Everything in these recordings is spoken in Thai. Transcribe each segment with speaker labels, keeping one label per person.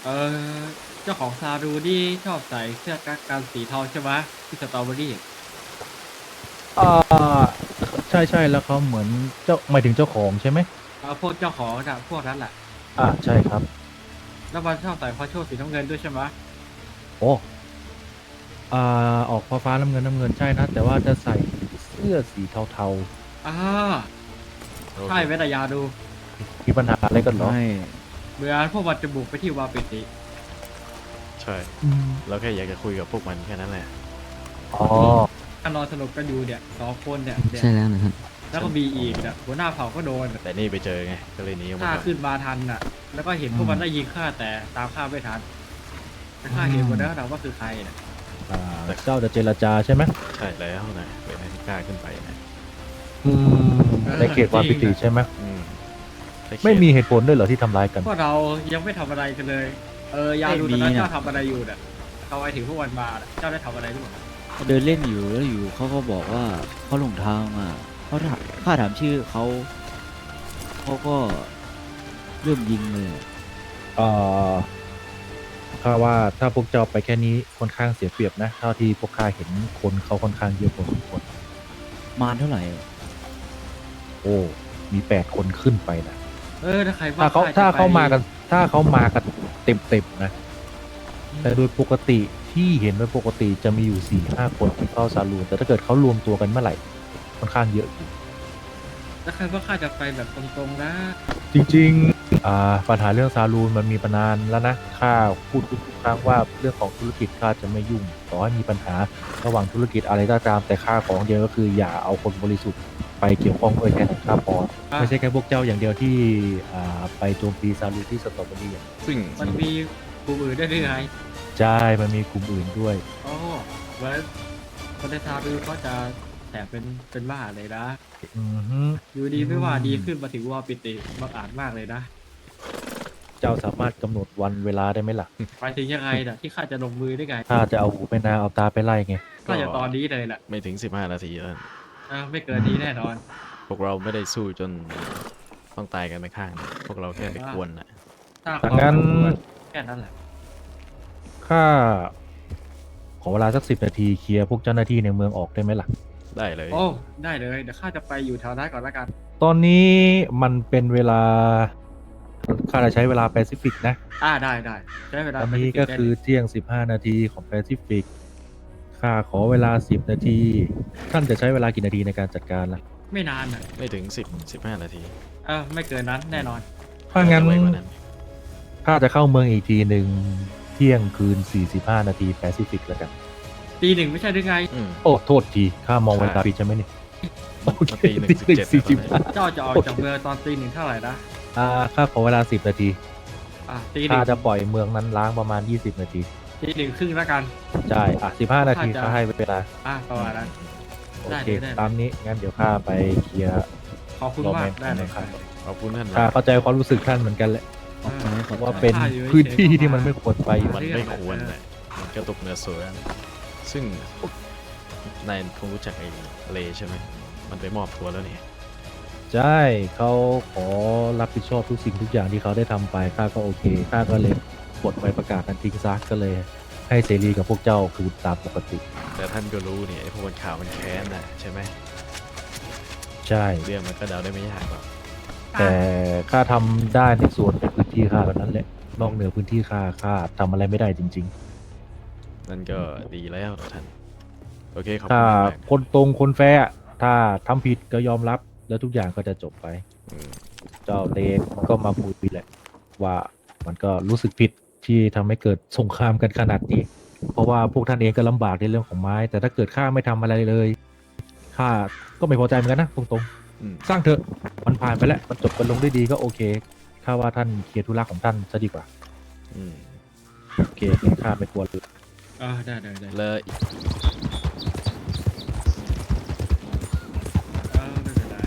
Speaker 1: เออเจ้าของซารูนี่ชอบใส่เสื้อกั๊กกันสีเทาใช่ไหมที่สตรอเบอรี่
Speaker 2: อ่าใช่ใช่แล้วเขาเหมือนเจ้าหมายถึงเจ้าของใช่ไหม
Speaker 1: พวกเจ้าของน่ะพวกนั้นแหละ
Speaker 2: ใช่ครับ
Speaker 1: แล้วมันชอบใส่พอโชว์สีน้ำเงินด้วยใช่ไหม
Speaker 2: โอ้อ่ออกฟ้าน้ำเงินน้ำเงินใช่นะแต่ว่าจะใส่เสื้อสีเทา
Speaker 1: อ่า
Speaker 3: โอเค
Speaker 1: ใช่เวทยาดู
Speaker 2: ๆมีปัญหาอะไรกันเหรอ
Speaker 4: ไม่
Speaker 1: เหมือนพวกมันจะบุกไปที่วาปิติ
Speaker 3: ใช่
Speaker 2: อืม
Speaker 3: เราแค่อยากจะคุยกับพวกมันแค่นั้นแหละ
Speaker 2: อ๋อ
Speaker 1: ถ้านอนสนุกกันอยู่เนี่ย2 คนเนี่ย
Speaker 4: ใช่แล้วนะครับ
Speaker 1: แล้วก็มีอีกเนี่ยหัวหน้าเผ่าก็โดน
Speaker 3: แต่นี่ไปเจอไงก็เลยหนีออกมา
Speaker 1: ข้า
Speaker 3: ก่อน
Speaker 1: ขึ้นมาทันน่ะ แล้วก็เห็นพวกมันได้ยิงข้าแต่ตามข้าไม่ทันแต่ข้าเห็นหมดแล้วนะว่าคือใครเนี่ย
Speaker 2: เจ้าจะเจรจาใช่ไหม
Speaker 3: ใช่แล้วนะเป็นให้กล้าขึ้นไปนะ
Speaker 2: อืมในเขตวาปิติใช่ไหม
Speaker 3: อืมแค่เขียน
Speaker 2: ไม่มีเหตุผลด้วยเหรอที่ทำร้ายกัน
Speaker 1: พวกเรายังไม่ทำอะไรกันเลย ยาดูตอนนั้นเจ้าทำอะไรอยู่เนี่ยเขาไปถึงพวกมันมาน่ะเจ้าได้ทำอะไรหรือเปล่า
Speaker 4: เดินเล่นอยู่แล้วอยู่เขาก็บอกว่าเขาหลงทางมาเขาถามข้าถามชื่อเขาก็เริ่มยิงเลย
Speaker 2: เอ่อข้าว่าถ้าพวกเจ้าไปแค่นี้ค่อนข้างเสียเปรียบนะเท่าที่พวกข้าเห็นคนเขาค่อนข้างเยอะพอสมควร
Speaker 4: มารเท่าไหร่
Speaker 2: โอ้มี8 คนขึ้นไปนะ
Speaker 1: ถ้าใครว่า
Speaker 2: ถ้าเขา
Speaker 1: จะไป
Speaker 2: มากันถ้าเขามากันเต็มๆนะแต่โดยปกติที่เห็นโดยปกติจะมีอยู่4-5 คนที่เข้าซาลูนแต่ถ้าเกิดเขารวมตัวกันเมื่อไหร่ค่อนข้างเยอะอยู่
Speaker 1: ถ้าใครว่าข้าจะไปแบบตรงๆนะ
Speaker 2: จริงๆปัญหาเรื่องซาลูนมันมีมานานแล้วนะข้าพูดทุกครั้งว่าเรื่องของธุรกิจข้าจะไม่ยุ่งต่อให้มีปัญหาระหว่างธุรกิจอะไรก็ตามแต่ข้าของเดียวก็คืออย่าเอาคนบริสุทธิ์ไปเกี่ยวข้องด้วยแค่นั้นข้าพอไม่ใช่แค่พวกเจ้าอย่างเดียวที่ไปโจมตีซาลูนที่สตรอเบอรี่
Speaker 3: ซึ่ง
Speaker 1: มันมีกลุ่มอื่นได้วยหรือไง
Speaker 2: ใช่มันมีกลุ่มอื่นด้วย
Speaker 1: โอ้เหมือนคนในซารูเขาจะแถมเป็นบ้าเลยนะ
Speaker 2: อือฮึ
Speaker 1: อยู่ดีไม่ว่าดีขึ้นมาถึงวาปิติบังอาจมากเลยนะ
Speaker 2: เจ้าสามารถกำหนดวันเวลาได้ไหมล่ะ
Speaker 1: ไปถึงยังไงน่ะที่ข้าจะลงมือได้ไง
Speaker 2: ถ้าจะเอาหูไปนาเอาตาไปไล่ไง
Speaker 1: ก็จะตอนนี้เลยแหละ
Speaker 3: ไม่ถึง15 นาทีแล้ว
Speaker 1: ไม่เกินนี้แน่นอน
Speaker 3: พวกเราไม่ได้สู้จนต้องตายกันไปข้างนะพวกเราแค่ไปกวนนะ
Speaker 1: ถ้า
Speaker 2: ดังนั้น
Speaker 1: แค่นั้นแหละ
Speaker 2: ข้าขอเวลาสัก10 นาทีเคลียร์พวกเจ้าหน้าที่ในเมืองออกได้ไหมล่ะ
Speaker 3: ได้เลย
Speaker 1: โอ้ได้เลยเดี๋ยวข้าจะไปอยู่แถวนั้นก่อนแล้วกัน
Speaker 2: ตอนนี้มันเป็นเวลาข้าจะใช้เวลาแปซิฟิกนะ
Speaker 1: ได้ใช้เวลา
Speaker 2: ตอน
Speaker 1: ไป
Speaker 2: นี้
Speaker 1: ที่
Speaker 2: ก็
Speaker 1: ได้
Speaker 2: คือเที่ยง15 นาทีของแปซิฟิกข้าขอเวลา10 นาที ท่านจะใช้เวลากี่นาทีในการจัดการล่ะ
Speaker 1: ไม่นานน่ะ
Speaker 3: ไม่ถึง15 นาที
Speaker 1: ไม่เกินนั้นแน่นอน
Speaker 2: ถ้างั้น
Speaker 3: จะไวกว่านั้น
Speaker 2: ข้าจะเข้าเมืองอีกทีหนึ่งเที่ยงคืน45 นาทีแปซิฟิกแล้วกัน
Speaker 1: ตีหนึ่งไม่ใช่หรือไง
Speaker 3: อืม
Speaker 2: โอ้ โทษที ข้ามองเวลาผิดใช่ไหมนี่โอเค
Speaker 3: ตีหนึ่ง17
Speaker 1: เจ้าจะออกจากเมืองตอนตีหนึ่งเท่าไหร่นะ
Speaker 2: ข้าขอเวลา10 นาที
Speaker 1: ตีหนึ่
Speaker 2: ข้าง จะปล่อยเมืองนั้นล้างประมาณ20 นาที
Speaker 1: ตีหนึ่งครึ่งแล้วกัน
Speaker 2: ใช่15 นาที
Speaker 1: ข้าจะ
Speaker 2: ข้าให้เวลา
Speaker 1: ประมาณนั้น
Speaker 2: โอ
Speaker 1: ได้
Speaker 2: เค
Speaker 1: ได้
Speaker 2: ตามนี้ งั้นเดี๋ยวข้าไปเคลียร์
Speaker 1: ขอบคุณ
Speaker 2: รอ
Speaker 1: มา
Speaker 2: แม
Speaker 1: ก
Speaker 2: น
Speaker 1: ได้เลย
Speaker 2: ครับ
Speaker 3: ขอบคุณท่าน
Speaker 2: ข้า
Speaker 3: นะ
Speaker 2: เข้าใจความรู้สึกท่านเหมือนกันแหละ
Speaker 4: ขอบใจขอบ
Speaker 2: ว่า
Speaker 4: ใจ
Speaker 2: เป็นพื้นที่ที่มันไม่ควรไปอยู่
Speaker 3: มันไม่ควรนะมันกระตุกเนื้อเสือนะซึ่งนายคงรู้จักไอ้เลใช่ไหมมันไปมอบตัวแล้วนี่
Speaker 2: ใช่ เขาขอรับผิดชอบทุกสิ่งทุกอย่างที่เขาได้ทำไป ข้าก็โอเค ข้าก็เลยปลดใบประกาศนั้นทิ้งซะก็เลย ให้เสรีกับพวกเจ้าคือตามปกติ
Speaker 3: แต่ท่านก็รู้นี่ไอ้พวกคนข่าวมันแค้นนะใช่ไหม
Speaker 2: ใช่
Speaker 3: เรื่องมันก็เดาได้ไม่ยากหรอก
Speaker 2: แต่ข้าทำได้ในส่วนในพื้นที่ข้าเท่านั้นแหละนอกเหนือพื้นที่ข้าทำอะไรไม่ได้จริง
Speaker 3: นั่นก็ดีแล้วท่านโอเคขอบ
Speaker 2: ๆ ถ้า
Speaker 3: คุณมาก
Speaker 2: คนตรงคนแฟร์อะถ้าทำผิดก็ยอมรับแล้วทุกอย่างก็จะจบไป
Speaker 3: อืม
Speaker 2: เจ้าเตกก็มาคุยแหละว่ามันก็รู้สึกผิดที่ทำให้เกิดสงครามกันขนาดนี้ เพราะว่าพวกท่านเองก็ลำบากในเรื่องของไม้ แต่ถ้าเกิดข้าไม่ทำอะไรเลยข้าก็ไม่พอใจเหมือนกันนะตรง
Speaker 3: อืม
Speaker 2: ๆ สร้างเถอะมันผ่านไปแล้วมันจบกันลงด้วยดีก็โอเคข้าว่าท่านเคลียร์ธุระของท่านซะดีกว่า
Speaker 3: อืม
Speaker 2: โอเคงั้นข้าไม่กลัวเลย
Speaker 1: ได้
Speaker 3: แล้ว
Speaker 1: ไม่เป็นไร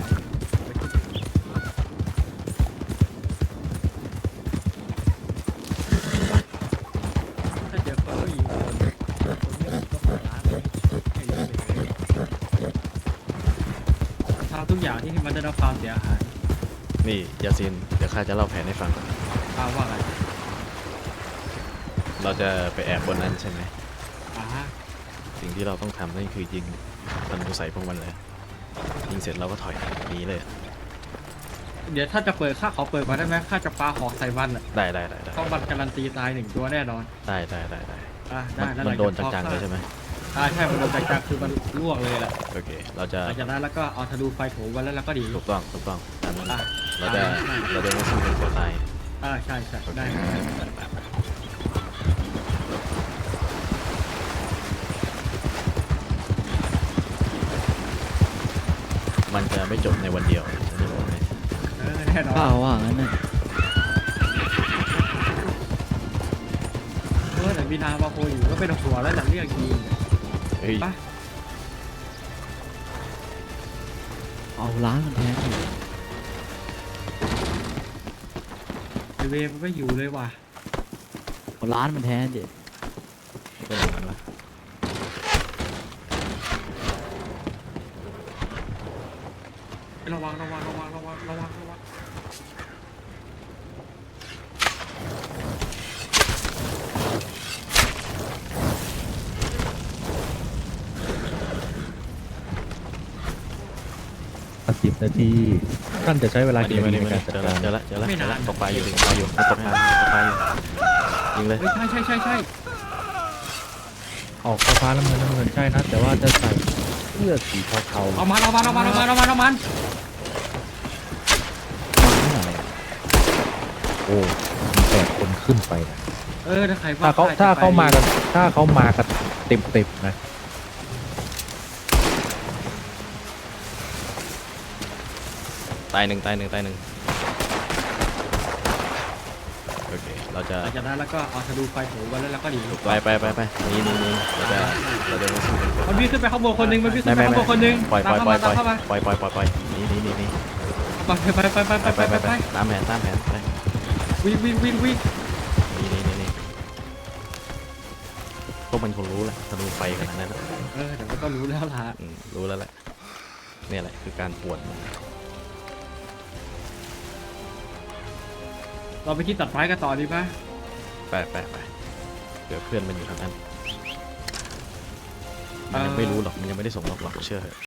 Speaker 1: ถ้าเจอคนก็ยิงคนนี้ก็ขอร้านเลยให้เยอะเลยทำทุกอย่างที่ให้มันได้รับความเสียหาย
Speaker 3: นี่ยาซินเดี๋ยวข้าจะเล่าแผนให้ฟัง
Speaker 1: ว่าไง
Speaker 3: เราจะไปแอบบนนั้นใช่ไหม
Speaker 1: อ่า
Speaker 3: สิ่งที่เราต้องทำนั่นคือยิงธนูใส่พวกมันเลยยิงเสร็จเราก็ถอยหนีเลย
Speaker 1: เดี๋ยวถ้าจะเปิดข้าขอเปิดก่อนได้ไหมข้าจะปาหอกใส่มันอ่ะ
Speaker 3: ได้
Speaker 1: เพราะมันการันตีตาย1 ตัวแน่นอน
Speaker 3: ได้
Speaker 1: อ่า
Speaker 3: มั
Speaker 1: ได้
Speaker 3: น
Speaker 1: แล้ว
Speaker 3: มันโดน
Speaker 1: หลัง
Speaker 3: จั
Speaker 1: จาก
Speaker 3: งๆเลยใช่ไหม
Speaker 1: ใช่มันโดนจังๆคือมันลวกเลยแหละ
Speaker 3: โอเคเราจะ
Speaker 1: หลังจากนั้นแล้วก็เอาธนูไฟโถมมันแล้วเราก็ดี
Speaker 3: ถูกต้องตามนั้น
Speaker 1: อ่ะ
Speaker 3: เราจะไม่สู้เป็นตัวตาย
Speaker 1: ใช่ได้
Speaker 3: มันจะไม่จบในวันเดียวอันนี้บอกเลย
Speaker 1: แน่นอน
Speaker 4: ข้าว่างั้นนะ
Speaker 1: แต่มีนามาโคอยู่ก็เป็นหัวแล้วหลังเรียกทีม
Speaker 3: เฮ้ย
Speaker 1: ไป
Speaker 4: เอาล้านมันแทนดิ
Speaker 1: ไอเวมันไม่อยู่เลยว่ะ
Speaker 4: เอาล้านมันแทนดิ
Speaker 3: เป็นอย่างนั้นวะ
Speaker 1: ระวัง
Speaker 2: 10 นาที ท่านจะใช้เวลากี่นาทีในการจัดการ
Speaker 3: เจอแล้วตกปลาอยู่ตกปลาอยู่ยิงเลย
Speaker 1: เฮ้ยใช่
Speaker 2: ออกฟ้าๆน้ำเงินใช่นะ แต่ว่าจะใส่เสื้อสีเทา
Speaker 1: เอามัน
Speaker 4: มาเท่าไหร่อะ
Speaker 2: ๆโอ้มี8 คนขึ้นไปนะ
Speaker 1: ถ้าใคร
Speaker 2: ถ้าเขามากันเต็มนะ
Speaker 3: ตายหนึ่งโอเคเราจะ
Speaker 1: หลังจากนั้นแล้วก็เอาธนูไฟโถมมันแล้วเราก็ดี
Speaker 3: ไปนี่เราจะไม่สู้เป็นตัว
Speaker 1: มันวิ่งขึ้นไปข้างบนคนนึง
Speaker 3: ปล่อย
Speaker 1: ตามเข้ามาตามเข้ามา
Speaker 3: ปล่อยนี่
Speaker 1: ไป
Speaker 3: ตามแผนไป
Speaker 1: วิ่ง
Speaker 3: นี่พวกมันคงรู้แหละธนูไฟขนาดนั้นนะ
Speaker 1: แต่มันก็รู้แล้วล่ะ
Speaker 3: รู้แล้วแหละเนี่ยแหละคือการปวด
Speaker 1: เราไปที่ตัดไม้กันต่อดีป่ะ
Speaker 3: ไปเดี๋ยวเพื่อนมันอยู่ทางนั้นมันยังไม่รู้หรอกมันยังไม่ได้ส่งล็อกเชื่อเถอะ